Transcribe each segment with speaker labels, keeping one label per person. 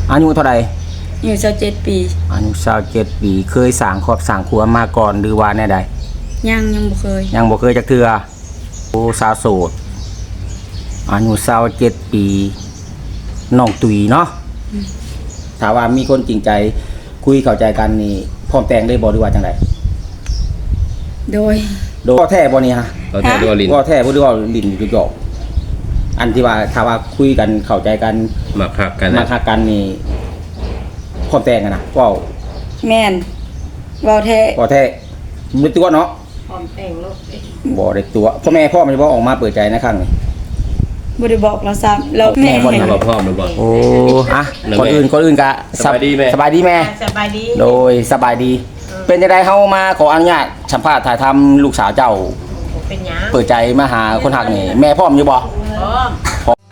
Speaker 1: อายุเท่าไหร่
Speaker 2: อยู่27 ปี
Speaker 1: อายุ27 ปีเคยสร้างครอบสร้างครัวมาก่อนหรือว่าแน่ใด
Speaker 2: ยังบ่เคย
Speaker 1: ยังบ่เคยจักเทื่อโอ้สาวโสดอายุ27 ปีน้องตุยเนาะถ้าว่ามีคนจริงใจคุยเข้าใจกันนี่พร้อมแต่งได้บ่หรือว่าจังได
Speaker 2: โดย
Speaker 1: แท้บ่นี่ฮะ
Speaker 3: ก็แท้ด้วยลิ้น
Speaker 1: ก็แท้บ่หรือว่าลิ้นอยู่หยอกอันที่ว่าถ้าว่าคุยกันเข้าใจกัน
Speaker 3: มาคักกัน
Speaker 1: นี่พร้อมแต่งกันนะว้าว
Speaker 2: แม่นเว้าแท้
Speaker 1: มีตัวเนาะ
Speaker 2: พร้อมแต่งลูก
Speaker 1: บ่ได้ตัวพ่อมันจะบ่ออกมาเปิดใจในครั้งนี้
Speaker 2: บ่ได้บอกเราซ้ำเราแม่
Speaker 3: บ่ได้บอกพ่อบ่บอก
Speaker 1: โอ้อะก่อนอื่นก็
Speaker 3: สบายดีแม่
Speaker 1: สบายดีแม่
Speaker 2: สบายดี
Speaker 1: โดยสบายดีเป็นจังได๋เฮามาขออนุญาตสัมภาษณ์ถ่ายทำลูกสาวเจ้า
Speaker 2: เป็นหยัง
Speaker 1: เปิดใจมาหาคนฮักนี่แม่พร้อมอยู่บ่พร้อม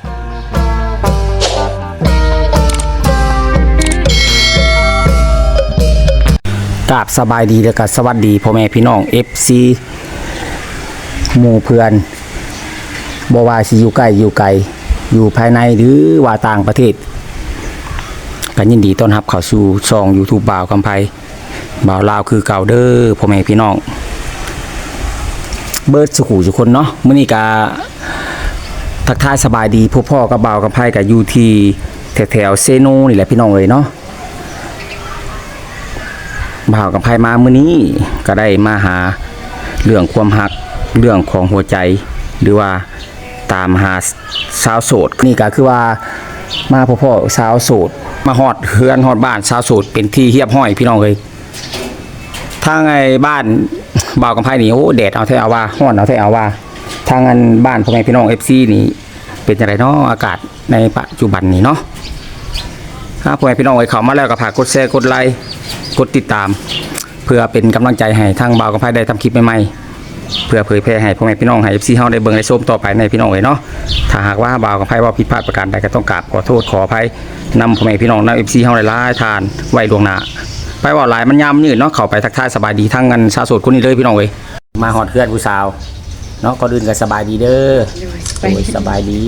Speaker 1: กราบสบายดีแล้วก็สวัสดีพ่อแม่พี่น้อง FC หมู่เพื่อนบ่ว่าสิอยู่ใกล้อยู่ไกลอยู่ภายในหรือว่าต่างประเทศก็ยินดีต้อนรับเข้าสู่ช่อง YouTube บ่าวกำไพบ่าวลาวคือเก่าเด้อพ่อแม่พี่น้องเบิดสุขุทุกคนเนาะมื้อนี้ก็ทักทายสบายดีพ่อกับบ่าวกำไพก็อยู่ที่แถวเซโนนี่แหละพี่น้องเอ้ยเนาะบ่าวกำไพมามื้อนี้ก็ได้มาหาเรื่องความรักเรื่องของหัวใจหรือว่าตามหาสาวโสดนี่ก็คือว่ามาพ่อสาวโสดมาฮอดเฮือนฮอดบ้านสาวโสดเป็นที่เฮียบห้อยพี่น้องเอ้ยทางไอ้บ้านบ่าวกำไพนี่โอ้แดดเอาแท้เอาว่าร้อนเอาแท้เอาว่าทางอันบ้านพ่อแม่พี่น้อง FC นี่เป็นจังไดเนาะอากาศในปัจจุบันนี้เนาะถ้าพ่อแม่พี่น้องเอ้ยเข้ามาแล้วก็ฝากกดแชร์กดไลค์กดติดตามเพื่อเป็นกำลังใจให้ทางบ่าวกำไพได้ทำคลิปใหม่ๆเพื่อเผยแพร่ให้พ่อแม่พี่น้องให้ FC เฮาได้เบิ่งได้ชมต่อไปในพี่น้องเอ้ยเนาะถ้าหากว่าบ่าวกำไพว่าผิดพลาดประการใดก็ต้องกราบขอโทษขออภัยนำพ่อแม่พี่น้องนำ FC เฮาได้หลายทานไว้ล่วงหน้าไปว่าหลายมันยามยืดเนาะเข้าไปทักทายสบายดีทั้งกันสาวโสดคนนี้เลยพี่น้องเอ้ยมาฮอดเพื่อนผู้สาวเนาะก็ดื่นกันสบายดีเด้อโอ้ยสบายดี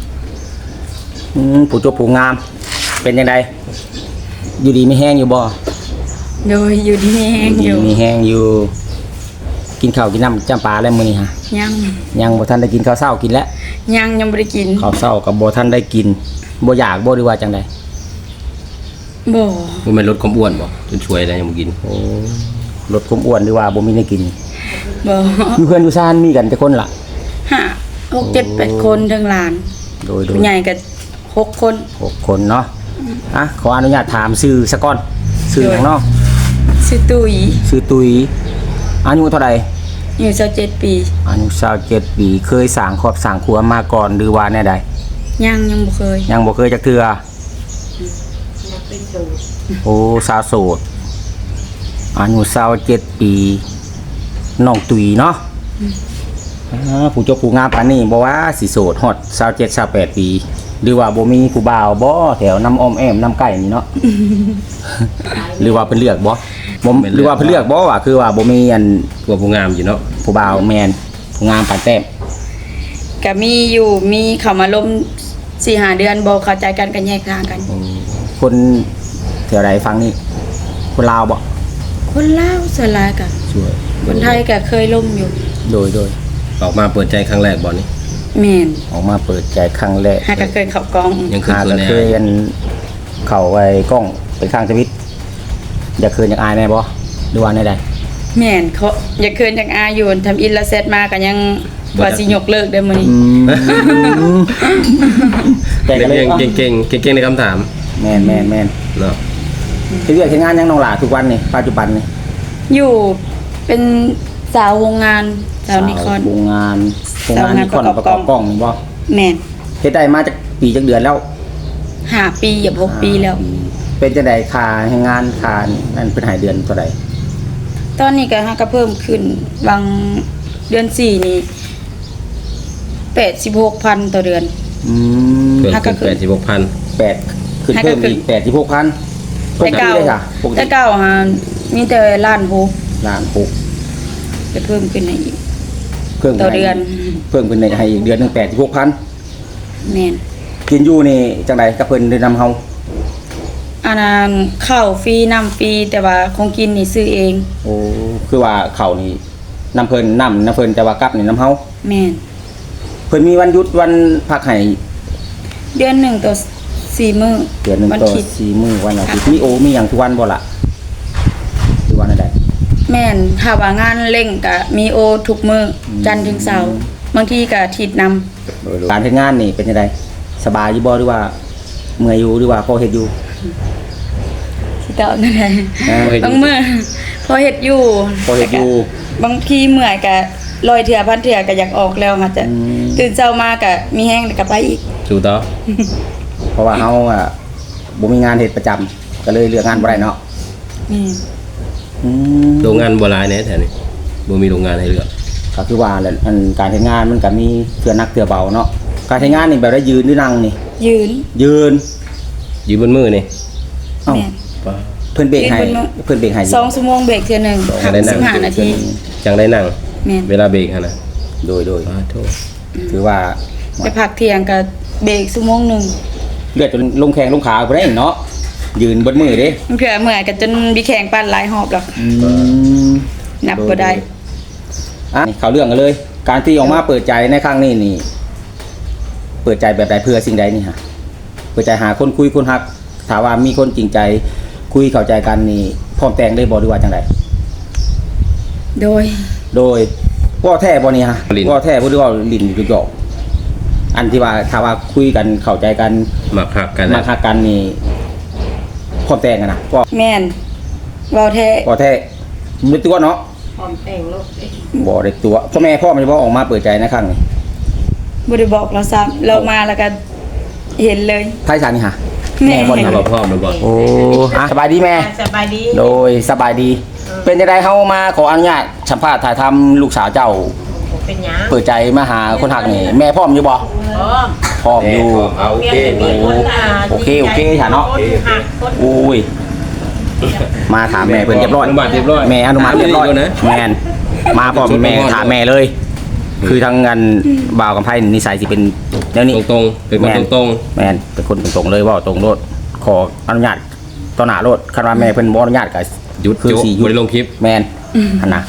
Speaker 1: ผู้จบผู้งามเป็นจังไดอยู่ดีมีแห้งอยู่บ่
Speaker 2: โดยอยู่ดีมีแห้งอยู่
Speaker 1: มีแห้งอยู่กินข้าวกินน้ำจำปลาแล้วมื้อนี้ฮะยังบ่ทันได้กินข้าวเช้ากินแล้ว
Speaker 2: ยังบ่ได้กิน
Speaker 1: ข้าวเช้ากับบ่ทันได้กินบ่อยากบ่หรือว่าจังได๋
Speaker 2: บ่
Speaker 3: แม่นลดความอ้วนบ่จนช่วยได้ยังบ่กิน
Speaker 1: โอ้ลดความอ้วนหรือว่าบ่มีได้กิน
Speaker 2: บ่
Speaker 1: อยู่เพื่อนอยู่ซ่านมีกันแต่คนล่ะ
Speaker 2: 5 6 7 8คนทั้งหลาน
Speaker 1: โดย
Speaker 2: ใหญ่ก็6คน
Speaker 1: เนาะอ่ะขออนุญาตถามชื่อซะก่อนชื่อหยังเนาะ
Speaker 2: ชื่อตุย
Speaker 1: อายุเท่าไหร่
Speaker 2: อยู่27 ปี
Speaker 1: อายุ27 ปีเคยสร้างครอบสร้างครัวมาก่อนหรือว่าแน่ใด
Speaker 2: ยังบ่เคย
Speaker 1: จักเทื่อโอ้สาวโสดอายุ27 ปีน้องตุยเนาะผู้เจ้าผู้งามปานนี้บ่ว่าสิโสดฮอด27 28 ปีหรือว่าบ่มีผู้บ่าวบ่แถวน้ำอ้อมแอมน้ำไก่นี่เนาะ หรือว่าเพิ่นเลือกบ่หรือว่าเพิ่นเลือกบ่ว่าคือว่าบ่มีอัน
Speaker 3: ผู้งามอยู่เนาะ
Speaker 1: ผู้บ่าวแม่นผู้งามปานแต้ม
Speaker 2: ก็มีเข้ามาล้ม 4-5 เดือนบ่เข้าใจกันก็แยกทางกัน
Speaker 1: คนแถวใดฟังนี่คนลาวบ่
Speaker 2: คนลาวส่วนหลายก็
Speaker 1: ช่วย
Speaker 2: คนไทยก็เคยล้มอยู่
Speaker 1: โดย
Speaker 3: ออกมาเปิดใจครั้งแรกบ่นี่
Speaker 2: แม่น
Speaker 1: ออกมาเปิดใจครั้งแรก
Speaker 2: ก็เคยเข้ากล้อง
Speaker 3: ยัง
Speaker 1: เคยอันเข้าไว้กล้องเป็นข้างชีวิตอยากคืนอยากอายแน่บ่หรือว่าแน่ใด
Speaker 2: แม่นเขาอยากคืนอยากอายอยู่ทำอินละเซตมาก็ยังว่าสิยกเลิกได้มื้อนี้
Speaker 3: แต่ก็เลยเก่งในคำถาม
Speaker 1: แม่น
Speaker 3: เนาะ
Speaker 1: เรียกงานยังน้องหลาทุกวันนี่ปัจจุบันนี่
Speaker 2: อยู่เป็นสาวโรงงานสาวนิคอน
Speaker 1: โรงงานนิคอนประกอบกล้องนี่บ่
Speaker 2: แม่น
Speaker 1: เฮ็ดได้มาจากปีจักเดือนแล้ว
Speaker 2: 5 ปีอย่า6 ปีแล้ว
Speaker 1: เป็นจังได๋ค่าให้งานค่านั่นเพิ่นให้เดือนเท่าใด
Speaker 2: ตอนนี้ก็เพิ่มขึ้นบางเดือน4นี่86,000ต่อเดือน
Speaker 3: เพิ่มขึ้น86,000
Speaker 1: ขึ้นเพิ่มอีก86,000
Speaker 2: แต่เก่าฮะมีแต่ล้าน
Speaker 1: 6
Speaker 2: จะเพิ่มขึ้นให้อีก
Speaker 1: ต่อเดือนเพิ่มขึ้นให้อีกเดือนนึง86,000
Speaker 2: แม่น
Speaker 1: กินอยู่นี่จังได๋กับเพิ่นได้นำเฮา
Speaker 2: อันนั้นข้าวฟรีน้ำฟรีแต่ว่าของกินนี่ซื้อเอง
Speaker 1: โอ้คือว่าเขานี่น้ำเพิ่นแต่ว่ากลับนี่น้ำเฮา
Speaker 2: แม่น
Speaker 1: เพิ่นมีวันหยุดวันพักให้
Speaker 2: เดือนหนึ่งต่อ4 มื้อ
Speaker 1: เดือนหนึง
Speaker 2: วัน
Speaker 1: ต่อ
Speaker 2: คิด
Speaker 1: 4มื้อวันอาทิตย์มีหยังทุกวันบ่ล่ะทุกวันใด
Speaker 2: แม่นถ้าว่างานเร่งก็มีโอทุกมื้อจันทร์ถึงเสาร์บางทีก็อาทิตย์นำ
Speaker 1: การเฮ็ดงานนี่เป็นจังไดสบายอยู่บ่หรือว่าเมื่อยอยู่หรือว่าพอเฮ็ดอยู่
Speaker 2: สิตอบนั่นแหละ
Speaker 1: อ่า
Speaker 2: บางมื้อพอเฮ็ดอยู่
Speaker 1: พอเฮ็ดอยู่
Speaker 2: บางทีเมื่อยก็ลอยเถื่อพันเถื่อก็อยากออกแล้วค่ะจะ
Speaker 1: อืม
Speaker 2: ตื่นเช้ามาก็มีแห้งแล้วก็ไปอีก
Speaker 3: สู้ต่อ
Speaker 1: เพราะว่าเฮาอ่ะบ่มีงานเฮ็ดประจำก็เลยเลือกงานบ่ได้เนาะ
Speaker 2: นี่
Speaker 1: อืม
Speaker 3: โรงงานบ่หลายแน่แถวนี้บ่มีโรงงานให้เลือก
Speaker 1: ก็คือว่าแหละอันการเฮ็ดงานมันก็มีเทื่อหนักเทื่อเบาเนาะการเฮ็ดงานนี่แบบได้ยืนหรือนั่งนี่
Speaker 2: ยืน
Speaker 1: ยืน
Speaker 3: อยู่บนมือนี่
Speaker 1: เอ้า
Speaker 2: แม่น
Speaker 3: ป้า
Speaker 1: เพิ่นเบรกให้
Speaker 2: ยืนบนมือ
Speaker 1: เพิ่นเบรกให้อยู่
Speaker 2: 2 ชั่วโมงเบรกเทื่อหนึง
Speaker 3: จังได้นั่ง
Speaker 2: 15นาที
Speaker 3: จังได้นั่ง
Speaker 2: แม่น
Speaker 3: เวลาเบรกหั่นน่ะ
Speaker 1: โดย
Speaker 3: ป้าโทษ
Speaker 1: ถือว่า
Speaker 2: ไปพักเที่ยงก็เบรกชั่วโมงหนึง
Speaker 1: เลือดจนลงแข้งลงขาบ่ได้เนาะยืนบนมือเด้
Speaker 2: มันเผื่อเมื่อยก็จนมีแข่งปั่นหลายหอบหรอก นับบ่ได้
Speaker 1: อ่ะนี่เข้าเรื่องกันเลย การที่ออกมาเปิดใจในครั้งนี้นี่ เปิดใจแบบใดเพื่อสิ่งใดนี่ฮะเปิดใจหาคนคุยคนฮักถามว่ามีคนจริงใจคุยเข้าใจกันนี่พร้อมแต่งได้บ่หรือว่าจังได
Speaker 2: โดย
Speaker 1: โดยว่าแท้บ่นี่ฮะว่าแท้บ่หรือว่าลิ้นอยู่หยอกอันที่ว่าถ้าว่าคุยกันเข้าใจกัน
Speaker 3: มักหักกัน
Speaker 1: มา
Speaker 3: นะ
Speaker 1: ฮักกันนี่พร้อมแต่งกันนะว่า
Speaker 2: แม่นเว้าแท้
Speaker 1: ว่าแท้บ่ได้ตัวเนาะ
Speaker 4: พร้อมแต่งลูก
Speaker 1: บ่ได้ตัวพ่อแม่พ่อมันจะบ่ออกมาเปิดใจในครั้งนี้
Speaker 2: บ่ได้บอกเราซ้ำเรามาแล้วก็เห็นเลย
Speaker 1: ไผสานี่ฮะ
Speaker 2: แม่
Speaker 1: บ่นี่
Speaker 3: เอา
Speaker 1: ฮะ
Speaker 3: บ่พร้อมแล้วบ่
Speaker 1: โอ้อ่ะสบายดีแม่
Speaker 4: สบายดี
Speaker 1: โดยสบายดี เป็นจังไดเฮามาขออนุญาตสัมภาษณ์ถ่ายทำลูกสาวเจ้า
Speaker 4: ผมเป็นหยัง
Speaker 1: เปิดใจมาหาคนหักนี่แม่พร้อมอยู่บ่
Speaker 4: พร้อม
Speaker 1: พร้อมอยู่
Speaker 3: เอาโอเค
Speaker 4: เพียงแต่มีคน
Speaker 1: โอเคค่ะเนาะ
Speaker 4: คนหักคน
Speaker 1: โอ้ยมาถามแม่เพิ่นเรียบร้อย
Speaker 3: อนุมัติเรียบร้อย
Speaker 1: แม่อนุมัติเรียบร้อย
Speaker 3: อยู่นะ
Speaker 1: แม่นมาพร้อมแม่ถามแม่เลย คือทางงานบ่าวกับไผนิสัยสิเป็นแนวนี้
Speaker 3: ตรงๆเป็นคนตรง
Speaker 1: แม่นเป็นคนตรงๆเลยเว่าตรงโลดขออนุญาตต่อหน้าโลดคันว่าแม่เพิ่นบ่อนุญาตก็
Speaker 3: ๆหยุด
Speaker 1: คือ
Speaker 3: โจะ
Speaker 1: สิหยุ
Speaker 3: บ่
Speaker 1: ด
Speaker 3: ได้ลงคลิป
Speaker 1: แม่นอันน่ะ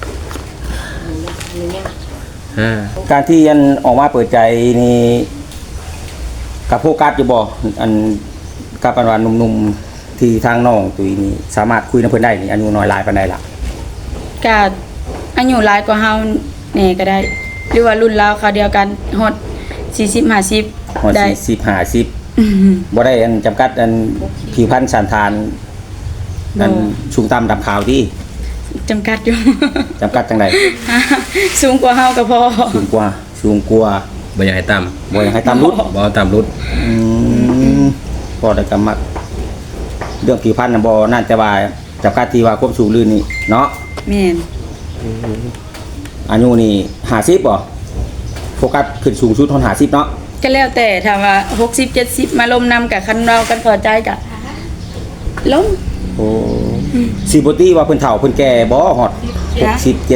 Speaker 3: อ่า
Speaker 1: การที่อันออกมาเปิดใจนี่กับโฟกัสอยู่บ่อันกับอันว่าหนุ่มๆที่ทางน้องตุ้ยนี่สามารถคุยนำเพิ่นได้นี่อายุน้อยหลายปานใดล่ะ
Speaker 2: ก็อายุหลายกว่าเฮาแหน่ก็ได้ หรือว่ารุ่นราวเขาวเดียวกันฮอด40 50
Speaker 1: ฮอด
Speaker 2: ได้
Speaker 1: 40 50
Speaker 2: อืม
Speaker 1: บ่ได้อันจำกัดอันผิวพรรณสันฐานอัน
Speaker 2: บ่
Speaker 1: สูงต่ำดำขาวที่
Speaker 2: จำกัดอยู่
Speaker 1: จำกัดจังได
Speaker 2: สูงกว่าเฮาก็พอ
Speaker 1: สูงกว่า
Speaker 3: บ่อยากให้ต่ำ
Speaker 1: บ่อยากให้ต่ำรุด
Speaker 3: บ่เอาต่ำรุด
Speaker 1: ก็ได้กำมักเรื่องผิวพรรณน่ะบ่น่าจะว่าจำกัดที่ว่าควบสูงลื่นนี่เนาะ
Speaker 2: แม่น
Speaker 1: อายุนี่50บ่โฟกัสขึ้นสูงสุดเท่า50เนาะ
Speaker 2: ก็แล้วแต่ถ้าว่า60 70มาลมนำกับคันเรากันพอใจก็ล้ม
Speaker 1: โอ้สิบ่ติว่าเพิ่นเฒ่าเพิ่นแก่บ่ฮอด60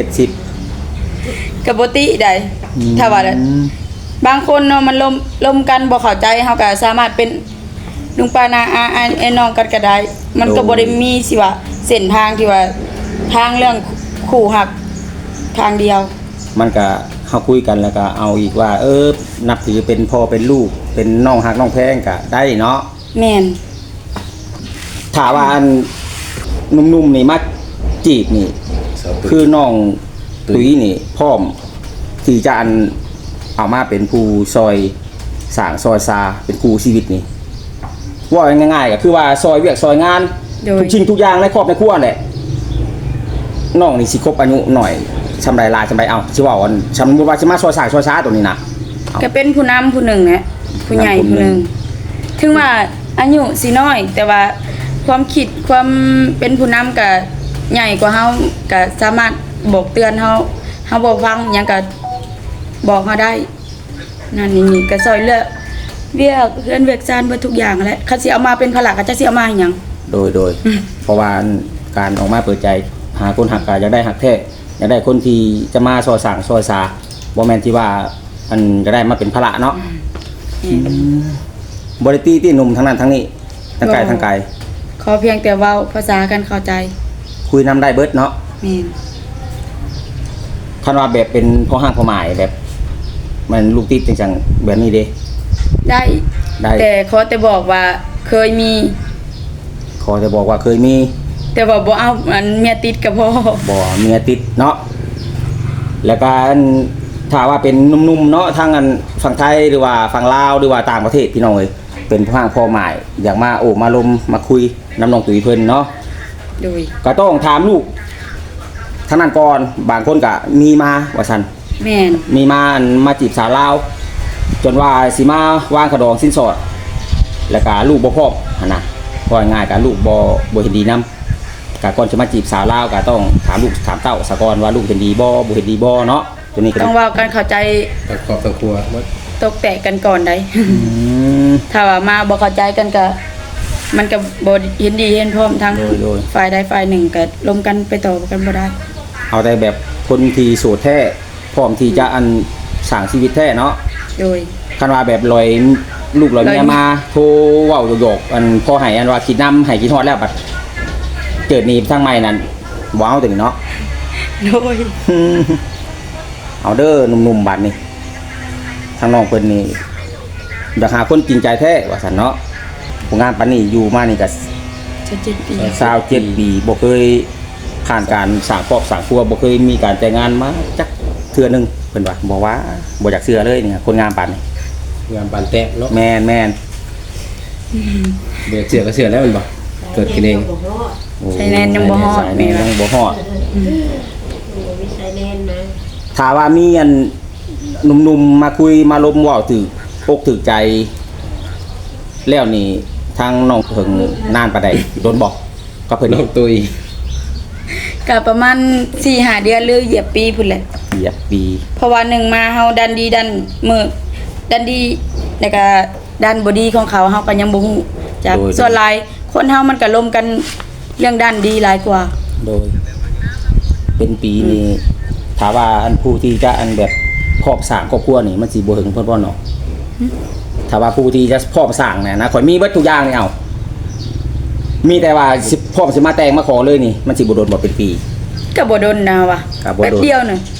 Speaker 1: 70
Speaker 2: ก็บ่ติได้ถ้าว่าบางคนเนาะมันลมกันบ่เข้าใจเฮาก็สามารถเป็นลุงป้านาอาไอ้น้องกันก็ได้ มันก็บ่ได้มีสิว่าเส้นทางที่ว่าทางเรื่องคู่หักทางเดียว
Speaker 1: มันก็เฮาคุยกันแล้วก็เอาอีกว่า นับถือเป็นพ่อเป็นลูกเป็นน้องฮักน้องแพงก็ได้เนาะ
Speaker 2: แม่น
Speaker 1: ถ้าว่าอันหนุ่มๆนี่มาจีบนี่ คือน้องตุ้ยนี่พร้อมที่จะอันเอามาเป็นผู้ซอยสร้างซอยซาเป็นครูชีวิตนี่ว่าง่ายๆก็คือว่าซอยเวียกซอยงาน
Speaker 2: โดย
Speaker 1: ทุกชิ้นทุกอย่างในครอบในครัวแหละน้องนี่สิครบอายุหน่อยชำไรลายชำไรเอาสิว่าอันสมมุติว่าสิมาซอยสร้างซอยซาตัวนี้นะ
Speaker 2: ก็เป็นผู้นำผู้หนึ่งแหละผู้ใหญ่ผู้หนึ่งถึงว่าอายุสิน้อย แต่ว่าความคิดความเป็นผู้นำก็ใหญ่กว่าเฮาก็สามารถบอกเตือนเฮาบ่ฟังหยังก็บอกเฮาได้นั่นนี่ก็ซอยเลือกเวียกเฮือนเวียกซานเบิดทุกอย่างแหละคันสิเอามาเป็นภาระก็จะสิเอามาให้หยัง
Speaker 1: โดยเพราะว่าการออกมาเปิดใจหาคนหักก็อยากได้หักแท้อยากได้คนที่จะมาซอยสร้างซอยซาบ่แม่นที่ว่าอันจะได้มาเป็นภาระเนาะบริตี้ที่หนุ่มทั้งนั้นทั้งนี้ทั้งกายทั้งกาย
Speaker 2: ขอเพียงแต่เว้าภาษากันเข้าใจ
Speaker 1: คุยนำได้เบิดเนาะ
Speaker 2: แม่น
Speaker 1: คันว่าแบบเป็นพ่อห้างพ่อหมายแบบ มันลูกติดจังๆแบบนี้เด้
Speaker 2: ได้
Speaker 1: ได้
Speaker 2: แต่ขอแต่บอกว่าเคยมี
Speaker 1: ขอจะบอกว่าเคยมี
Speaker 2: แต่ว่าบ่เอาอันเมียติดกับพ่อ
Speaker 1: บ่เมียติดเนาะแล้วก็อันถ้าว่าเป็นหนุ่มๆเนาะทางอันฝั่งไทยหรือว่าฝั่งลาวหรือว่าต่างประเทศพี่น้องเอ้ยเป็นพ่อห้างพ่อหมายอยากมาโอบมาลมมาคุยน้ำน้องตุ๋ยเพิ่นเนาะ
Speaker 2: โดย
Speaker 1: ก็ต้องถามลูกท่านนั้นก่อนบางคนก็มีมาว่าซั่น
Speaker 2: แม่น
Speaker 1: มีมาจีบสาวลาวจนว่าสิมาวางขะดองสิ้นสอด แล้วก็ลูกบ่พร้อมหั่นน่ะพอง่ายๆก็ลูกบ่เห็นดีนำก็ก่อนจะมาจีบสาวลาวก็ต้องถามลูกถามเต้าซะก่อนว่าลูกเห็นดีบ่บ่เห็นดีบ่เนาะตัวนี้ก็
Speaker 2: ต้องเว้ากันเข้าใจ
Speaker 3: ทั้งครอบทั้งครัวหมด
Speaker 2: ตกแตกกันก่อนได้ ถ้าว่ามาบ่เข้าใจกันก็มันก็บ่เห็นดีเห็นพร้อมทั้ง
Speaker 1: โดย
Speaker 2: ฝ่ายใดฝ่ายหนึ่งก็ล้มกันไปต่อกันบ่ได้
Speaker 1: เอาแต่แบบคนที่โสดแท้พร้อมที่จะอันสร้างชีวิตแท้เนาะ
Speaker 2: โดย
Speaker 1: คันว่าแบบลอยลูกลอยเมียมาโทรเว้าโยกๆอันพอให้อันว่าคิดนำให้คิดฮอดแล้วบัดเกิดหนี้ทางใหม่นั่นบ่เอาตัวนี้เนาะ
Speaker 2: โดย
Speaker 1: เอาเด้อหนุ่มๆบัดนี้ทางน้องเพิ่นนี่อยากหาคนจริงใจแท้ว่าซั่นเนาะผู้งานปานนี้อยู่มานี่ก็
Speaker 2: จะ7 ปี
Speaker 1: 27ปีบ่เคยผ่านการสร้างครอบสร้างครัวบ่เคยมีการแต่งงานมาจักเทื่อหนึงเพิ่นว่าบอกว่าบ่อยากเชื่อเลยเนี่ยคนงานปานนี้
Speaker 3: งานปานแตะเนาะ
Speaker 1: แม่น
Speaker 3: เดี๋ยวเสือก็เสือแล้วมันบ่เกิดกินเอง
Speaker 4: บ่ฮอด
Speaker 1: ๆโอ้
Speaker 2: ใช้แนนยังบ่ฮอด
Speaker 1: ใช้แนนยังบ่ฮอด
Speaker 4: มีใช้แน่นนะ
Speaker 1: ถ้าว่ามีอันหนุ่มๆมาคุยมาลมเว้าถึกอกถึกใจ แล้วนี่ทางน้องเพิ่งนานปานใดโดนบอกก็เพิ่น
Speaker 3: น้องตุย
Speaker 2: ก็ประมาณ 4-5 เดือนหรือเหยียบปีพุ่นแหละ
Speaker 1: เหยียบปี
Speaker 2: เพราะว่าหนึ่งมาเฮาดันดีดันมือดันดีแล้วก็ดันบ่ดีของเขาเฮาก็ยังบ่ฮู้จักส่วนหลายคนเฮามันก็ล้มกันเรื่องด้านดีหลายกว่า
Speaker 1: โดย เป็นปีนี้ถามว่าอันผู้ที่จะอันแบบครอบสร้างครอบครัวนี่มันสิบ่ถึงเพิ่นบ่เนาะถ้าว่าผู้ที่จะครอบสร้างเนี่ยนะข่อยมีเบิดทุกอย่างนี่เอามีแต่ว่าสิพร้อมสิมาแต่งมาขอเลยนี่มันสิบ่โดนบ่เป็นปี
Speaker 2: ก็บ่ดนนะว่ะ
Speaker 1: ก็บ่โดน
Speaker 2: แป๊บเดียวนึง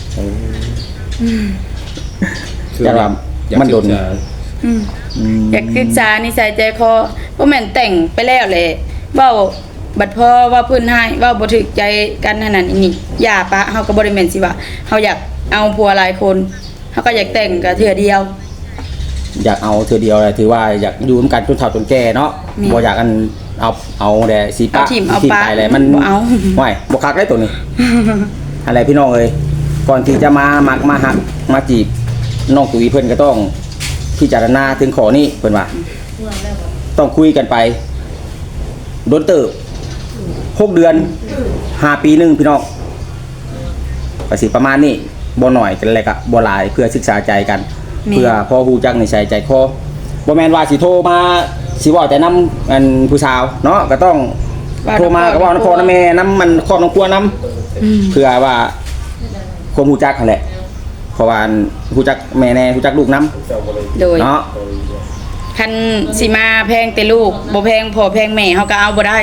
Speaker 1: แต่ว่ามันโดน
Speaker 3: อยากศึกษา
Speaker 2: อยากศึกษานิสัยใจคอบ่แม่นแต่งไปแล้วแหละเว้าบัดพอว่าเพิ่นให้เว้าบ่ถูกใจกันนั่นนั่นนี่อย่าปะเฮาก็บ่ได้แม่นสิว่าเฮาอยากเอาผัวหลายคนเฮาก็อยากแต่งก็เทื่อเดียว
Speaker 1: อยากเอาเธอเดียวเลยถือว่าอยากอยู่ร่วมกันจนเฒ่าจนแก่เนาะ
Speaker 2: นี่
Speaker 1: บ่อยากอันเอาแต่สีปะ
Speaker 2: เอาถิ่มเอาปะ
Speaker 1: ไปเลยมัน
Speaker 2: บ่เอา
Speaker 1: ห่วยบ่คักได้ตัวนี้ อะไรพี่น้องเอ้ยก่อนที่จะมามักมาหักมาจีบน้องตุ๋ยเพิ่นก็ต้องพิจารณาถึงขอนี้เพิ่นว่า ต้องคุยกันไปโดนเติบ6 เดือน5 ปีหนึงพี่น้องก็สิประมาณนี้บ่หน่อยกันแหละก็บ่หลายเพื่อศึกษาใจกัน
Speaker 2: แม่
Speaker 1: เพื่อพอฮู้จักนิสัยใจคอบ่แม่นว่าสิโทรมาสิเว้าแต่นำอันผู้สาวเนาะก็ต้องโทรมาก็เว้านำพ่อนำแม่นำมันครอบนำครัวนำเพื่อว่าความฮู้จักนั่นแหละเพราะว่าอันฮู้จักแม่แน่ฮู้จักลูกนำ
Speaker 2: โดย
Speaker 1: เนาะ
Speaker 2: คันสิมาแพงแต่ลูกบ่แพงพ่อแพงแม่เฮาก็เอาบ่ได้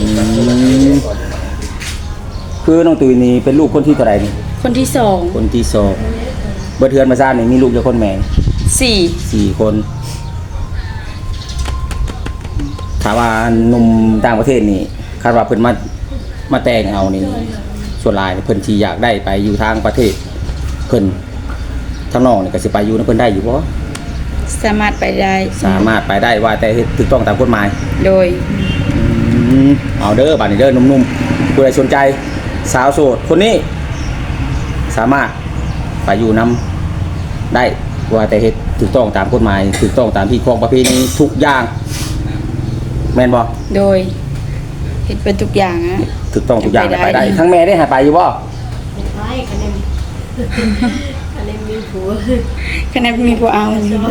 Speaker 1: คือน้องตุ๋ยนี่เป็นลูกคนที่เท่าไหร่นี่
Speaker 2: คนที่
Speaker 1: คนที่สองเบิดเทือนมาซ่านนี่มีลูกกี่คนแม่
Speaker 2: 2 4
Speaker 1: 4 คนถามว่าหนุ่มต่างประเทศนี่คาดว่าเพิ่นมาแต่งเอานี่ส่วนหลายเพิ่นสิอยากได้ไปอยู่ทางประเทศเพิ่นทางน้องนี่ก็สิไปอยู่นำเพิ่นได้อยู่บ่
Speaker 2: สามารถไปได้
Speaker 1: สามารถไปได้ว่าแต่เฮ็ดถูกต้องตามกฎหมาย
Speaker 2: โดย
Speaker 1: เอาเด้อบัดนี้เด้อหนุ่มๆผู้ใดสนใจสาวโสดคนนี้ สามารถไปอยู่นำได้ว่าแต่เฮ็ดถูกต้องตามกฎหมายถูกต้องตามที่ของประเพณีทุกอย่างแม่นบ่
Speaker 2: โดยเฮ็ดเป็นทุกอย่างนะ
Speaker 1: ถูกต้องทุกอย่าง
Speaker 2: ไปได้
Speaker 1: ไปได้ทั้งแม่ได้หาไปอยู่บ่
Speaker 4: ไม่ใช่คะแนนคะแนนมีผัว
Speaker 2: คะแนนมีผู้เอา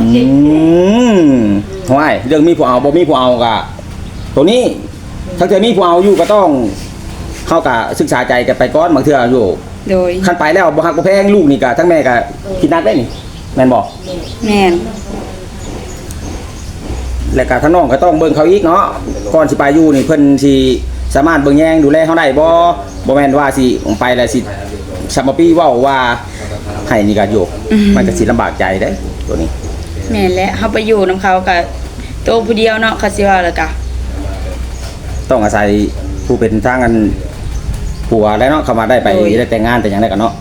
Speaker 1: ห้วยเรื่องมีผู้เอาบ่มีผู้เอาก็ตัวนี้ถ้าเกิดมีผู้เอาอยู่ก็ต้องเข้ากับศึกษาใจกันไปก่อนบางเทื่ออยู่
Speaker 2: โดย
Speaker 1: คันไปแล้วบ่ฮักบ่แพงลูกนี่ก็ทั้งแม่ก็คิดนักได้นี่แม่นบ่
Speaker 2: แม่น
Speaker 1: และก็ทั้งน้องก็ต้องเบิ่งเขาอีกเนาะก่อนสิไปอยู่นี่เพิ่นสิสามารถเบิ่งแยงดูแลเฮาได้บ่แม่นว่าสิไปแล้วสิซัมมาปี้เว้าว่าให้นี่ก็อยู่มันก็สิลำบากใจเด้ตัวนี้
Speaker 2: แม่นและเฮาไปอยู่นํเขาก็โตวผู้เดียวเนาะเขาสิว่าแล้วก็
Speaker 1: ต้องอาศัยผู้เป็นทางกันผัวแล้วเนาะเข้ามาได้ไปได้แต่งงานแต่หยังได้กันเนาะ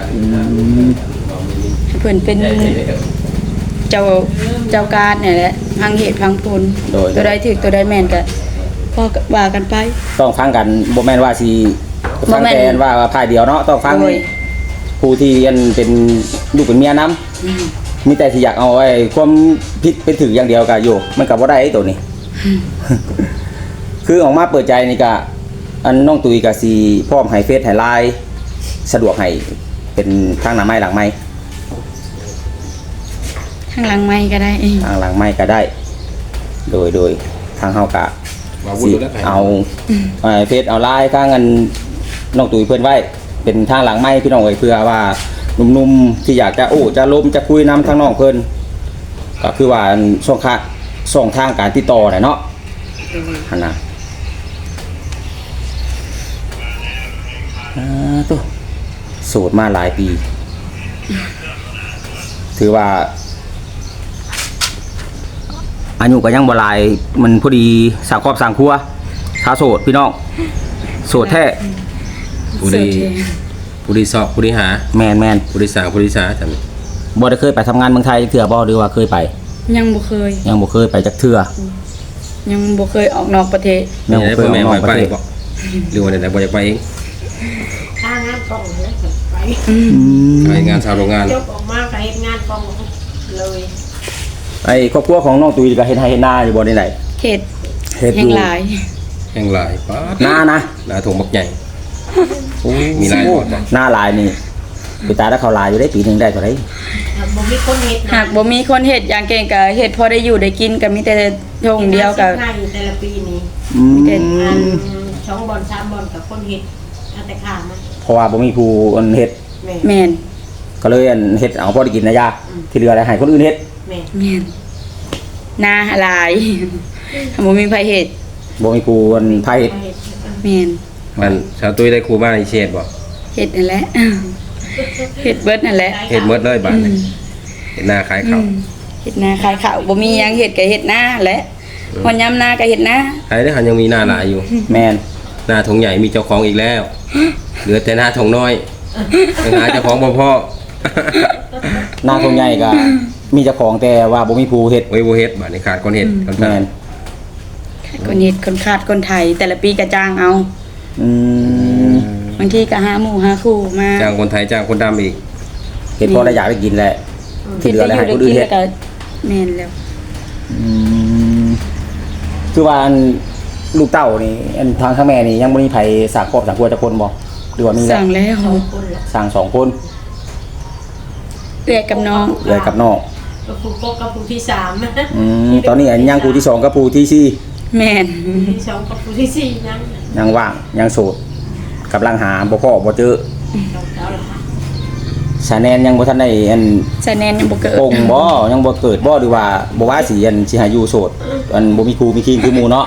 Speaker 2: ให้เพิ่นเป็นเจ้าการนี่แหละพังเหตุพังผลตัวใดถูกตัวใดแม่นก็พอก็ว่ากันไป
Speaker 1: ต้องฟังกันบ่แม่นว่าสิฟังแต่ว่าพายเดียวเนาะต้องฟัง
Speaker 2: โอ้ย
Speaker 1: ผู้ที่อันเป็นลูกเป็นเมียนํมีแต่สิอยากเอาไอ้ความผิดไปถืออย่างเดียวก็อยู่มันก็บ่ได้ไอ้ตัวนี้ คือออกมาเปิดใจนี่ก็อันน้องตุยก็สิพร้อมให้เฟซให้ไลน์สะดวกให้เป็นทางหน้าไม้หลังไม้
Speaker 2: ข้างหลังไม้ก็ได้
Speaker 1: ทางหลังไม้ก็ได้ โดยทางเฮาก็
Speaker 3: ว่าวุ้น
Speaker 1: สิ
Speaker 3: แล้วไผ
Speaker 1: เอาเฟซเอาไลน์ทางอันน้องตุยเพิ่นไว้เป็นทางหลังไม้พี่น้องเอ้ยเพื่อว่าหนุ่มๆที่อยากจะจะล้มจะคุยนำทางน้องเพิ่นก็คือว่าช่องทางการติดต่อน่ะเนาะหั่นน่ะตัวโสดมาหลายปี ถือว่าอายุก็ยังบ่หลายมันพอดีสร้างครอบสร้างครัวชาวโสดพี่น้องโสดแท้
Speaker 3: ผู้ดีสอบผู้ดีหา
Speaker 1: แมน
Speaker 3: ผู้ดีสร้างผู้ดีสาจัง
Speaker 1: บ่ได้เคยไปทำงานเมืองไทยเทื่อบ่หรือว่าเคยไป
Speaker 2: ยังบ่เคย
Speaker 1: ยังบ่เคยไปจักเทื่อ
Speaker 2: ยังบ่เคยออกนอกประเทศ
Speaker 1: ยั
Speaker 3: นี่
Speaker 1: งบ่
Speaker 3: ได้
Speaker 1: เคย
Speaker 3: พ่อ
Speaker 1: อ
Speaker 3: แม่
Speaker 1: อกน
Speaker 3: มา
Speaker 1: อกป
Speaker 3: ไประ
Speaker 1: เทศ
Speaker 3: บ่หรือว่าได้บ่อยากไปเอง
Speaker 4: ถ้างานกองแล้วก็ไป
Speaker 3: ไปงานชาวโรงงาน
Speaker 4: จบออกมาก็เฮ็ดงานกองเลย
Speaker 1: ไอ้ครอบครัวของน้องตุยก็เฮ็ดไร่เฮ็ดนาอยู่บ่ได้ไหน
Speaker 2: เขต
Speaker 1: เฮ็ด
Speaker 2: แห่
Speaker 1: องยู่
Speaker 2: หลาย
Speaker 3: แห่งหลายป๊าด
Speaker 1: นานะ
Speaker 3: หน้าถงบักใหญ่มีหลายบ่บ่
Speaker 1: หน้าลายนี่ไปตายแล้วเขาลายอยู่ได้ปีหนึงได้เท่าไหร่
Speaker 4: บ่มีคนเฮ็ด
Speaker 2: หากบ่มีคนเฮ็ดอย่างเก่งก็เฮ็ดพอได้อยู่ได้กินก็มีแต่ทงเดียวก็
Speaker 4: ง่ายอยู่แต่ละปีนี้
Speaker 2: เฮ็ด
Speaker 4: อัน2 บ่อน 3 บ่อนกับคนเฮ็ดเอาแต่ข้ามมัน
Speaker 1: เพราะว่าบ่มีผู้อันเฮ็ด
Speaker 4: แม่
Speaker 2: แม่น
Speaker 1: ก็เลยอันเฮ็ดเอาพอได้กินนะยาที่เหลือได้ให้คนอื่นเฮ็ด
Speaker 4: แม่
Speaker 2: แม่นนาหลาย บ่มีไผเฮ็ด
Speaker 1: บ่มีผู้อันพาเฮ็ด
Speaker 4: เฮ็ด
Speaker 2: แม่น
Speaker 3: มันชาวตุ้ยได้ครูมาในเชษบ่
Speaker 2: เฮ็ดนั่นแหละ เฮ็ดเบิดนั่นแหละ
Speaker 3: เฮ็ดหมดเลยบ้านนี่เฮ็ดหน้าขายข้าว
Speaker 2: เฮ็ดนาขายข้าวบ่มีหยังเฮ็ดก็เฮ็ดนาแหละพอยามนาก็เฮ็ดนา
Speaker 3: ไอ้เด้อหันยังมีหน้าหลายอยู่
Speaker 1: แม่น
Speaker 3: หน้าถงใหญ่มีเจ้าของอีกแล้ว เหลือแต่หน้าถงน้อยยังหาเจ้าของบ่พอ
Speaker 1: หน้าทงใหญ่ก็มีเจ้าของแต่ว่าบ่มีผู้เฮ็ด
Speaker 3: ไว้บ่เฮ็ดบัดนี้ขาดคนเฮ็ดคน
Speaker 1: แม่น
Speaker 2: คนเฮ็ดคนขาดคนไทยแต่ละปีก็จ้างเอา
Speaker 1: อืม
Speaker 2: บางทีก็หาหมู่หาคู่มา
Speaker 3: จ้างคนไทยจ้างคนดำอีก
Speaker 1: เฮ็ดพอได้อยากได้กินแหละที่เหลือได้ให้คนอื่นเฮ็ด
Speaker 2: ก็แม่นแล้ว
Speaker 1: คือว่าอันลูกเต้านี่อันทางข้างแม่นี่ยังบ่มีไผสร้างครอบสร้างครัวจักคนบ่หรือว่ามีแล้ว
Speaker 2: สั่งแล้ว
Speaker 4: คนละ
Speaker 1: สร้างสองคน
Speaker 2: เอื้อยกับน้อง
Speaker 1: เลยกับน้อง
Speaker 4: ก็ผู้กกับผู้ที่3
Speaker 1: ตอนนี้อันยังผู้ที่สองกับผู้ที่สี่
Speaker 2: แม่น
Speaker 4: ผู้ที่2กับผู้ที่4นั่น
Speaker 1: ยังว่างยังโสดกำลังหาบ่พอบ่เจอ
Speaker 4: ต้องเอาละค่ะ
Speaker 1: ชาแนนยังบ่ทันได้อัน
Speaker 2: สะแนนยังบ่เกิด
Speaker 1: ปงบ่ยังบ่เกิดบ่หรือว่าบ่ว่าสิอันสิหาอยู่โสดอันบ่มีครูมีคิงคือหมู่เนาะ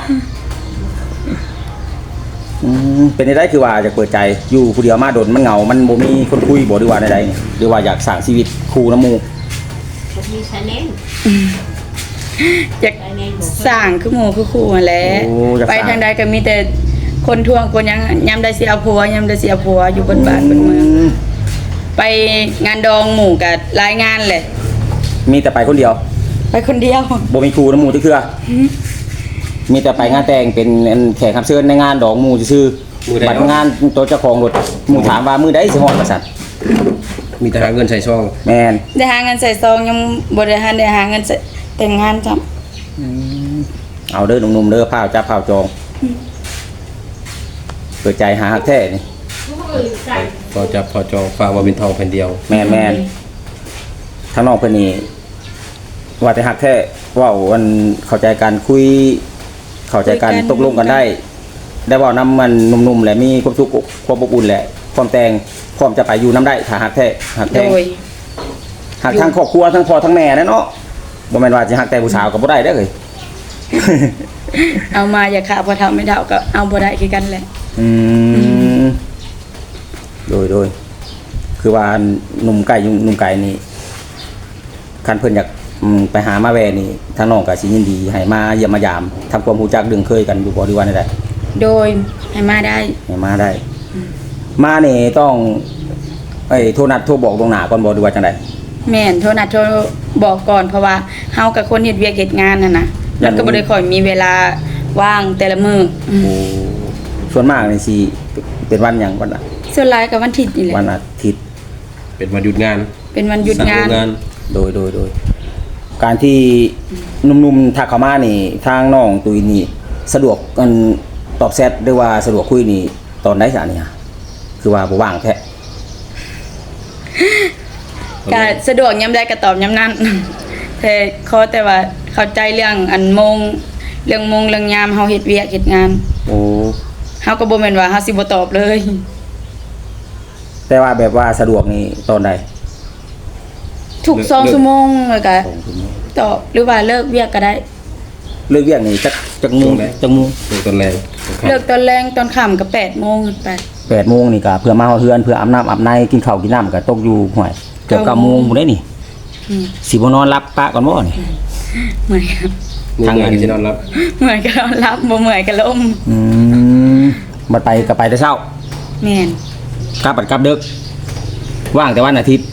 Speaker 1: เป็นได้คือว่าจะเปิดใจอยู่ผู้เดียวมาโดนมันเหงา มันบ่มีคนคุยบ่หรือว่าใดๆหรือว่าอยากสร้างชีวิตคู่นำหมู่
Speaker 4: บ่มีชาแนล
Speaker 2: อยาก
Speaker 4: ชาแนลบ่
Speaker 2: สร้างคือหมู่คือคู่นั่นแหละ
Speaker 1: โอ้อยาก
Speaker 2: ไป
Speaker 1: สร้าง
Speaker 2: ทางใดก็มีแต่คนทวงคนหยังยามใดสิเอาผัวยามใดสิเอาผัวอยู่บนบ้านบนเมือง ไปงานดองหมู่กับรายงานแหละ
Speaker 1: มีแต่ไปคนเดียว
Speaker 2: ไปคนเดียว
Speaker 1: บ่มีครูนำหมู่จักเทื่อมีแต่ไปงานแต่งเป็นอันแขกรับเชิญในงานดอกหมู่ซื่อๆบัดงานตัวเจ้าของรถหมู่ถามว่ามื้อใดสิฮอดว่าซั่น
Speaker 3: มีแต่หาเงินใส่ซอง
Speaker 1: แม่น
Speaker 2: ได้หาเงินใส่ซองยังบ่ได้ได้หาเงินใส่แต่งงานจ้ะ
Speaker 1: เอาเด้อหนุ่มๆเด้อพาวจับพาวจองเปิดใจหาฮักแท้นี่
Speaker 4: ใส่
Speaker 3: พอจับพอจองฝากมาเป็นทองแผ่นเดียว
Speaker 1: แม่นทางน้องเพิ่นนี่ว่าแต่ฮักแท้เว้าวันเข้าใจกันคุย เข้าใจกันตกลงกันได้ ได้เว้านำมันหนุ่มๆแหละมีความสุขความอบอุ่นแหละพร้อมแต่งพร้อมจะไปอยู่นํได้ถ้าฮักแท้ฮัก
Speaker 2: โด
Speaker 1: แท้
Speaker 2: ย
Speaker 1: ฮักทั้งครอบครัวทั้งพ่อทั้งแม่นะเนาะบ่แม่นว่าสิฮักแต่ผู้สาวก็บ่ได้เด้อเอ้ย
Speaker 2: เอามาอย่าขาพอเท่าไม่เท่าก็เอาบ่ได้คือกันแหละ
Speaker 1: อืมโดยคือว่าหนุ่มไก่นี่คันเพิ่นอยากไปหามาแวนี่ทางน้องก็สิยินดีให้มาเยี่ยมมายามทำความรู้จักเรื่องเคยกันอยู่บ่หรือว่าได้
Speaker 2: โดยให้มาได้
Speaker 1: ให้มาได้ มานี่ต้องโทรนัดโทรบอกตรงหน้าก่อนบ่หรือว่าจังได๋
Speaker 2: แม่นโทรนัดโทรบอกก่อนเพราะว่าเฮากับคนเฮ็ดเวียกเฮ็ดงานน่ะนะแล้วก็บ่ได้ค่อยมีเวลาว่างแต่ละมื้อ
Speaker 1: โอ้ส่วนมากนี่สิเป็นวันหยังวันน่ะ
Speaker 2: ส่วนหลายก็วันอาทิตย์นี่แหละ
Speaker 1: วันอาทิตย์
Speaker 3: เป็นวันหยุดงาน
Speaker 2: เป็นวันหยุดงาน
Speaker 3: สั่งโรง
Speaker 1: โดยการที่หนุ่มๆทักเข้ามานี่ทางน้องตุยนี่สะดวกกันตอบแชทหรือว่าสะดวกคุยนี่ตอนใดซะนี่ฮะคือว่าบ่ว่างแท้
Speaker 2: ก็สะดวกยามใดก็ตอบยามนั้น แต่ขอแต่ว่าเข้าใจเรื่องอันโมงเรื่องยามเฮาเฮ็ดเวียกเฮ็ดงาน
Speaker 1: โอ้
Speaker 2: เฮาก็บ่แม่นว่าเฮาสิบ่ตอบเลย
Speaker 1: แต่ว่าแบบว่าสะดวกนี่ตอนใด
Speaker 2: ทุก2ชั่วโมงแล้วก็
Speaker 1: 2ชั่วโมง
Speaker 2: ตอบหรือว่าเลิกเวียกก็ได้
Speaker 1: เลิกเวียกนี่จักโมงจักโมง
Speaker 3: เป็นตอนแรก
Speaker 2: เลิกตอนแรงตอนค่ำก็8โมงขึ้นไป
Speaker 1: 8โมงนี่ก็เพื่อมาเฮาเฮือนเพื่ออาบน้ำอาบในกินข้าวกินน้ำก็ตกอยู่ห่วยเกือบ9โมงพุ่นเด้นี่
Speaker 2: อืม
Speaker 1: สิบ่นอนรับปะก่อนบ่นี่
Speaker 2: เหมือนกัน
Speaker 3: ทางงานที่นอนรับ
Speaker 2: เหมือนกันนอนรับบ่เหมือนกันล้ม
Speaker 1: อืมบัดไปก็ไปแต่เช้า
Speaker 2: แม่น
Speaker 1: กลับบัดกลับดึกว่างแต่วันอาทิตย์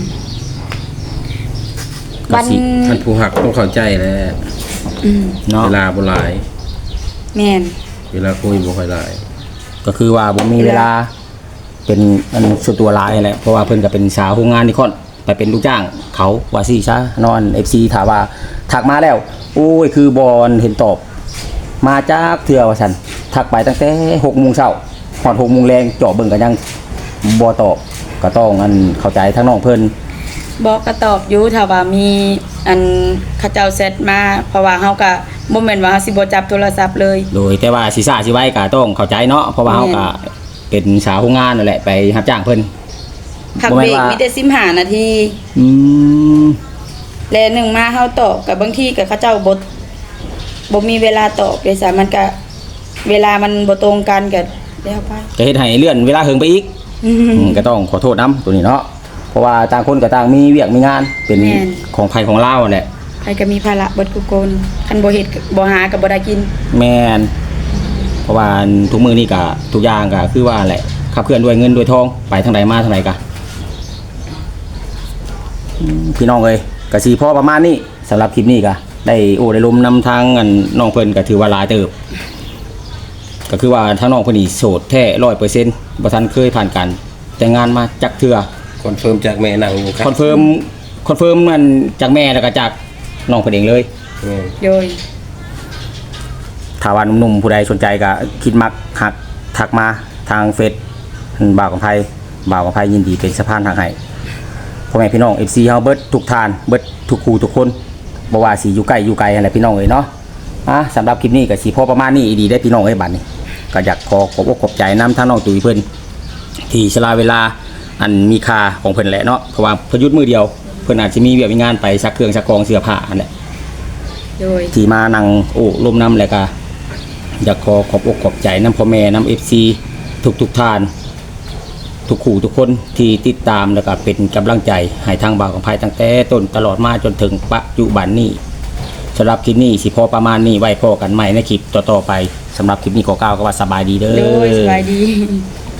Speaker 2: วัน
Speaker 3: ท่านผู้หักต้องเข้าใจแหล้ว
Speaker 1: เนาะ
Speaker 3: เวลาบ่หลาย
Speaker 2: แม่น
Speaker 3: เวลาคุยบ่ค่อยหลาย
Speaker 1: ก็คือว่าผมมีเวลาเป็นอันส่วนตัวหลายแหละเพราะว่าเพิ่นก็เป็นสาวโรงงานนี่ค่อนไปเป็นลูกจ้างเขาว่าซี่ซะนอน FC ถามว่าทักมาแล้วโอ้ยคือบอลเห็นตอบ มาจากเทื่อว่าซั่นทักไปตั้งแต่6:00 นฮอด6:00 นแรงเจาะเบิ่งก็ยังบ่ตอบก็ต้องอันเข้าใจทั้งน้องเพิ่น
Speaker 2: บอกก็ตอบอยู่ถ้าว่ามีอันเขาเจ้าเซตมาเพราะว่าเฮาก็บ่แม่นว่าเฮาสิบ่จับโทรศัพท์เลย
Speaker 1: โดยแต่ว่าสิซ่าสิไว้ก็ต้องเข้าใจเนาะเพราะว่าเฮาก็เป็นสาวโรงงานนั่นแหละไปรับจ้างเพิ่น
Speaker 2: พัก
Speaker 1: บ่
Speaker 2: เบ
Speaker 1: แม่
Speaker 2: ร
Speaker 1: น
Speaker 2: ก
Speaker 1: ว่า
Speaker 2: มีแต่15นาที
Speaker 1: อืม
Speaker 2: และหนึ่งมาเฮาตอบกับบางทีก็เขาเจ้าบ่มีเวลาตอบเลยซะมันก็เวลามันบ่ตรงกันก็แล้วไป
Speaker 1: ก็เฮ็ดให้เลื่อนเวลาเฮิงไปอีก ก็ต้องขอโทษน้ำตัวนี้เนาะเพราะว่าต่างคนก็ต่างมีเวียกมีงานเป็น
Speaker 2: แม่น
Speaker 1: ของไผของเล่าแหละ
Speaker 2: ใครก็มีภาระเบิดทุกคนคันบ่เฮ็ดก็บ่หาก็บ่ได้กิน
Speaker 1: แมนเพราะว่าทุกมือนี่ก็ทุกอย่างก็คือว่าแหละขับเคลื่อนด้วยเงินด้วยทองไปทางใดมาทางไหนก็พี่น้องเอ้ยก็สิพอประมาณนี้สำหรับคลิปนี้ก็ได้โอ้ได้ลมนำทางอันน้องเพิ่นก็ถือว่าหลายเติบก็คือว่าทางน้องเพิ่นนี่โสดแท้ 100% บ่ทันเคยผ่านการแต่งงานมาจักเทื่อ
Speaker 3: คอนเฟิร์มจากแม่นางอยู่ครับ
Speaker 1: คอนเฟิร์มมันจากแม่แล้วก็จากน้องเพิ่นเองเลย
Speaker 3: แม่น
Speaker 2: โดย
Speaker 1: ถ้าว่าหนุ่มๆผู้ใดสนใจก็คิดมักหักทักมาทางเฟซบ่าวของไผยินดีเป็นสะพานทางให้พ่อแม่พี่น้อง FC เฮาเบิดทุกทานเบิดทุกคู่ทุกคนบ่ว่าสิอยู่ใกล้อยู่ไกลอะไรพี่น้องเอ้ยเนาะสำหรับคลิปนี้ก็สิพอประมาณนี้ดีได้พี่น้องเอ้ยบัดนี้ก็อยากขอขอบใจนำทางน้องตุ้ยเพิ่นที่สละเวลาอันมีค่าของเพิ่นแหละเนาะเพราะว่าเพิ่นหยุดมื้อเดียวเพิ่นอาจสิมีเวียกมีงานไปซักเครื่องซักกองเสื้อผ้าอันแหละ
Speaker 2: โดย
Speaker 1: ที่มานั่งโอ้ลมน้ำแล้วก็อยากขอบอกขอบใจน้ำพ่อแม่น้ำ FC ทุกท่านทุกคู่ทุกคนที่ติดตามแล้วก็เป็นกำลังใจให้ทางบ่าวของไผตั้งแต่ต้นตลอดมาจนถึงปัจจุบันนี้สำหรับคลิปนี้สิพอประมาณนี้ไว้พอกันใหม่ในคลิปต่อๆไปสำหรับคลิปนี้ขอกล่าวก็ว่าสบายดีเด้อ
Speaker 2: โดยสบายดี